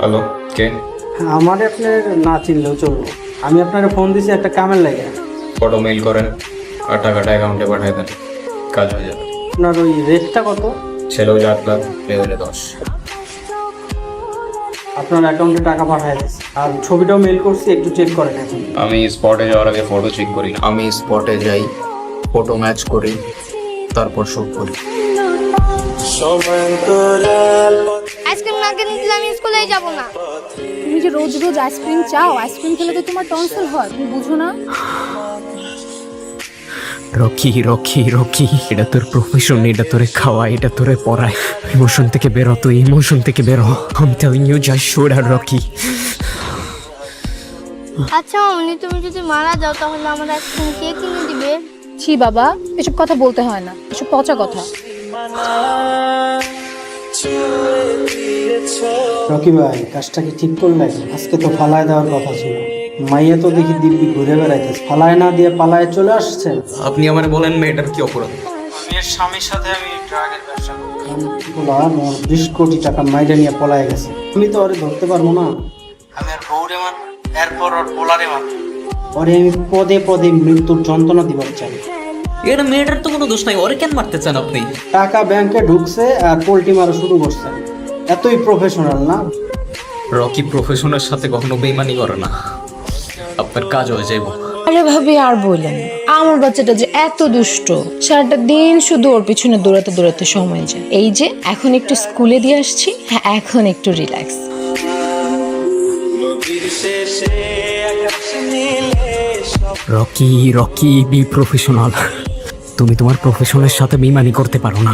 Hello, কে? আমার আপনার না চিনলেও চলবো। আমি আপনার ফোন দিছি একটা কামের লাগে। ফটো মেইল করেন আর টাকাটা অ্যাকাউন্টে পাঠিয়ে দেন, কাজ হয়ে যাবে। আপনার ওই রেটটা কত? ছেলেও 8 লাখ, মেয়ে হলে 10। আপনার অ্যাকাউন্টে টাকা পাঠিয়ে দিচ্ছি, আর ছবিটাও মেল করছি, একটু চেক করেন এখন। আমি স্পটে যাওয়ার আগে ফটো চেক করি না, আমি স্পটে যাই, ফটো ম্যাচ করি, তারপর শুট করি। আইসক্রিম না কিনে দিলে আমি স্কুলেই যাব না। তুমি যে রোজ রোজ আইসক্রিম চাও, আইসক্রিম খেলে তো তোমার টনসিল হয়, তুমি বুঝো না? রকি রকি রকি, এটা তোর প্রফেশন, এটা তোরে খাওয়া, এটা তোরে পড়ায়। ইমোশন থেকে বেরো, তুই ইমোশন থেকে বেরো। I am telling you, just should আর রকি। আচ্ছা মামনি, তুমি যদি মারা যাও তাহলে আমার আইসক্রিম কে কিনে দিবে? ছি বাবা, এসব কথা বলতে হয় না, এসব পচা কথা। রকি ভাই, কাজটা কি ঠিক করলেন? আজকে তো ফালায় দেওয়ার কথা ছিল। মাইয়া তো দেখি দিব্যি ঘুরে বেড়াইতেছে, ফালায় না দিয়ে পালায় চলে আসছেন। আপনি আমার বলেন মেয়েটার কি অপরাধ? মেয়ের স্বামীর সাথে আমি ড্রাগের ব্যবসা করি, 20 কোটি টাকা মাইরে নিয়ে পলায় গেছে। আমি তো ওরে ধরতে পারবো না। আমি আর বউরে মার, এরপর ওর পোলারে মার, ওরে আমি পদে পদে মৃত্যুর যন্ত্রণা দিবার চাই। এটা মেয়েটার তো কোনো দোষ নাই, ওরে কেন মারতে চান আপনি? টাকা ব্যাংকে ঢুকছে আর পোল্ট্রি মারা শুরু করছে। এতই প্রফেশনাল না? রকি প্রফেশনের সাথে কখনো বেইমানি করে না, আপনার কাজ হয়ে যাইব। আরে ভাবি আর বললেন, আমার বাচ্চাটা যে এত দুষ্ট, সারাটা দিন শুধু ওর পিছনে দৌড়াতে দৌড়াতে সময় যায়। এই যে এখন একটু স্কুলে দিয়ে আসছি, হ্যাঁ এখন একটু relax. Rocky Rocky, be professional. তুমি তোমার প্রফেশনের সাথে বেইমানি করতে পারো না।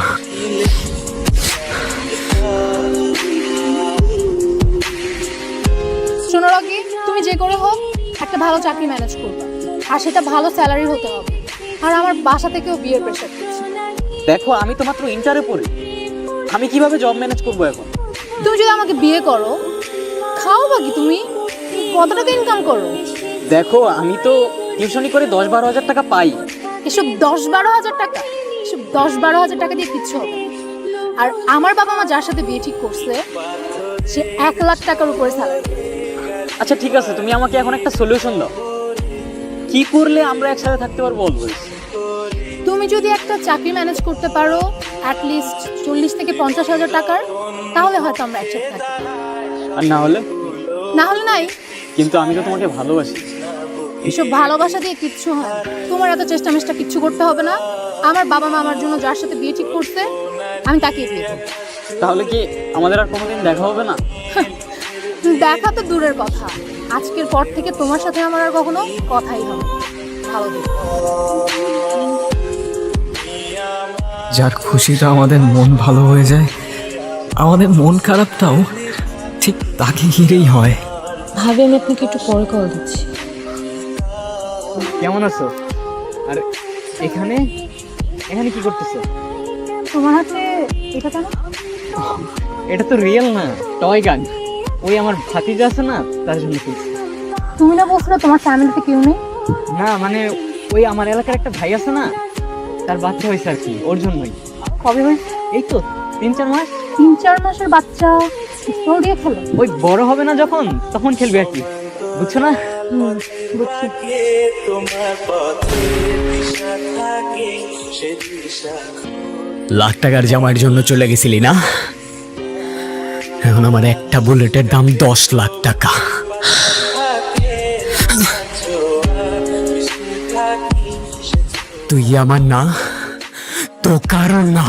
শোনো রকি, তুমি যে করে হোক একটা ভালো চাকরি ম্যানেজ করবে, আর সেটা ভালো স্যালারি হতে হবে। আর আমার বাসা থেকেও বিয়ের প্রেশার দিচ্ছে। দেখো, আমি তো মাত্র ইন্টারে পড়ি, আমি কিভাবে জব ম্যানেজ করবো এখন? তুমি যদি আমাকে বিয়ে করো, খাও বাকি তুমি কত টাকা ইনকাম করো? দেখো, আমি তো টিউশনি করে 10-12 হাজার টাকা পাই। এসব 10-12 হাজার টাকা, এসব 10-12 হাজার টাকা দিয়ে কিচ্ছু হবে না। আর আমার বাবা মা যার সাথে বিয়ে ঠিক করছে, সে 1 লাখ টাকার উপরে স্যালারি। আচ্ছা ঠিক আছে, তুমি আমাকে এখন একটা সলিউশন দাও, কি করলে আমরা একসাথে থাকতে পারবো অলওয়েজ? তুমি যদি একটা চাকরি ম্যানেজ করতে পারো অ্যাটলিস্ট 40 থেকে 50 হাজার টাকার, তাহলে হয়তো আমরা একসাথে থাকি। আর না হলে? না হলে নাই। কিন্তু আমি তো তোমাকে ভালোবাসি। এসব ভালোবাসা দিয়ে কিচ্ছু হয় না। তোমার এত চেষ্টা মেষ্টা কিচ্ছু করতে হবে না। আমার বাবা মা আমার জন্য যার সাথে বিয়ে ঠিক করছে, আমি তাকে বিয়ে করব। তাহলে কি আমাদের আর কোনোদিন দেখা হবে না? দেখা তো দূরের কথা, আজকের পর থেকে তোমার সাথে আমার আর কখনো কথাই হবে না। ভালো থেকো। যার খুশিতে আমাদের মন ভালো হয়ে যায়, আমাদের মন খারাপটাও ঠিক তাকে ঘিরেই হয়। ভাবি আমি আপনাকে একটু পরে কল দিচ্ছি। কেমন আছো? আর এখানে এখানে কি করতেছো? তোমার হাতে এটা কেন? এটা তো রিয়েল না, টয় গান। ওই আমার ভাতিজা আছে না, তার জন্য কিনছি। তুমি না বলছো না তোমার ফ্যামিলিতে কেউ নেই? না মানে ওই আমার এলাকার একটা ভাই আছে না, তার বাচ্চা হয়েছে আর কি, ওর জন্যই। কবে হয়েছে? এই তো 3-4 মাস। 3-4 মাসের বাচ্চা পিস্তল দিয়ে খেলো? ওই বড় হবে না যখন, তখন খেলবে আর কি, বুঝছো না? বুঝছি। লাখ টাকার জামাইয়ের জন্য চলে গেছিলি না? এখন আমার একটা বুলেটের দাম 10 লাখ টাকা। তুই আমার না, তো কারণ না।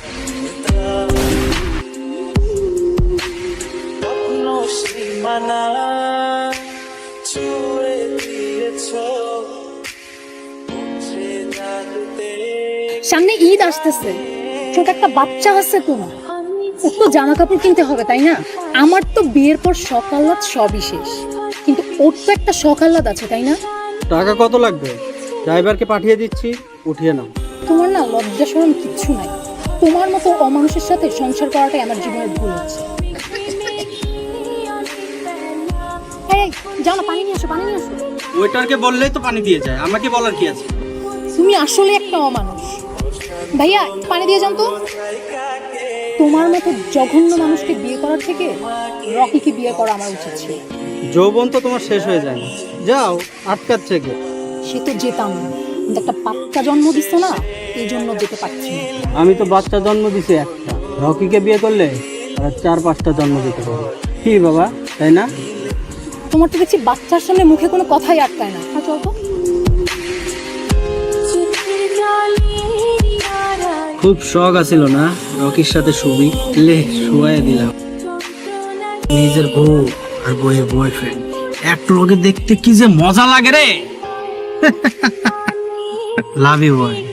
সামনে ঈদ আসতেছে, ছোট একটা বাচ্চা আছে তোমার, ওর তো জামা কাপড় কিনতে হবে তাই না? আমার তো বিয়ের পর শখ আহ্লাদ সবই শেষ, কিন্তু ওর তো একটা শখ আহ্লাদ আছে তাই না? টাকা কত লাগবে? ড্রাইভারকে পাঠিয়ে দিচ্ছি, উঠিয়ে নাও। তোমার না লজ্জা শরম কিচ্ছু নাই। তোমার মতো অমানুষের সাথে সংসার করাটাই আমার জীবনের ভুল হচ্ছে। এই, যাও না, পানি নিয়ে আসো, পানি নিয়ে আসো। ওয়েটারকে বললেই তো পানি দিয়ে যায়, আমাকে বলার কি আছে? তুমি আসলে একটা অমানুষ। ভাইয়া একটু পানি দিয়ে যান তো। তোমার মতো জঘন্য মানুষকে বিয়ে করার থেকে রকিকে বিয়ে করা আমার উচিত ছিল। যৌবন তো তোমার শেষ হয়ে যায় না, যাও আটকাচ্ছে কে? সে তো যেতাম না, কিন্তু একটা বাচ্চা জন্ম দিচ্ছে না, এই জন্য যেতে পারছি না। আমি তো বাচ্চা জন্ম দিছি একটা, রকিকে বিয়ে করলে আর 4-5টা জন্ম দিতে পারবো। কি বাবা, তাই না? তোমার তো দেখছি বাচ্চার সামনে মুখে কোনো কথাই আটকায় না। হ্যাঁ, চল তো। খুব শখ আছিল না রকির সাথে শুবি, লে শুয়াই দিলাম। নিজের বউ আর বউয়ের বয়ফ্রেন্ড এক লগে দেখতে কি যে মজা লাগে রে। Love you boy.